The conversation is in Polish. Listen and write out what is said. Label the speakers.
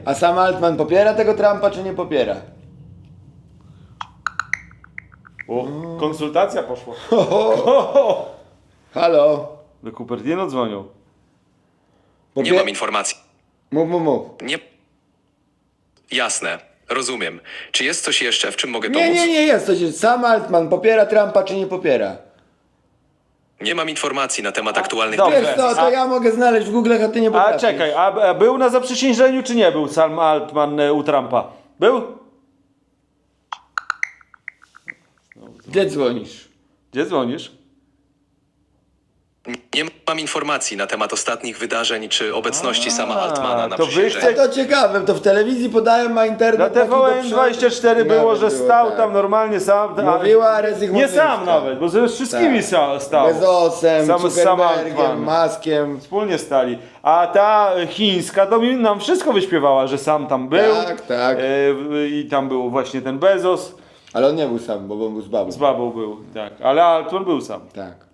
Speaker 1: A sam Altman popiera tego Trumpa, czy nie popiera?
Speaker 2: O, konsultacja poszła.
Speaker 1: Halo?
Speaker 2: Do Cupertino dzwonią.
Speaker 3: Nie mam informacji.
Speaker 1: Mów.
Speaker 3: Nie. Jasne, rozumiem. Czy jest coś jeszcze, w czym mogę pomóc?
Speaker 1: Nie, jest coś. Sam Altman popiera Trumpa, czy nie popiera?
Speaker 3: Nie mam informacji na temat aktualnych
Speaker 2: dobrze.
Speaker 1: Wiesz co, to ja mogę znaleźć w Google, a ty nie
Speaker 2: A
Speaker 1: potrafisz.
Speaker 2: czekaj, a był na zaprzysiężeniu, czy nie był Sam Altman u Trumpa? Był?
Speaker 1: Gdzie dzwonisz?
Speaker 2: Gdzie dzwonisz?
Speaker 3: Nie mam informacji na temat ostatnich wydarzeń czy obecności sama Altmana na
Speaker 2: to wy
Speaker 3: przysiężeniu.
Speaker 1: To ciekawe, to w telewizji podają, a internet...
Speaker 2: Na
Speaker 1: taki do
Speaker 2: TVN24
Speaker 1: przodu.
Speaker 2: było,
Speaker 1: Nawet
Speaker 2: że stał
Speaker 1: tak.
Speaker 2: tam normalnie sam.
Speaker 1: Mówiła Rezych
Speaker 2: Nie
Speaker 1: Modlińska.
Speaker 2: sam nawet, bo ze wszystkimi
Speaker 1: Tak.
Speaker 2: stał.
Speaker 1: Bezosem,
Speaker 2: Sam
Speaker 1: Zuckerbergiem,
Speaker 2: Altman.
Speaker 1: Maskiem.
Speaker 2: Wspólnie stali. A ta chińska to nam wszystko wyśpiewała, że sam tam był.
Speaker 1: Tak.
Speaker 2: I tam był właśnie ten Bezos.
Speaker 1: Ale on nie był sam, bo on był z babą.
Speaker 2: Z babą był, tak. Ale Altman był sam.
Speaker 1: Tak.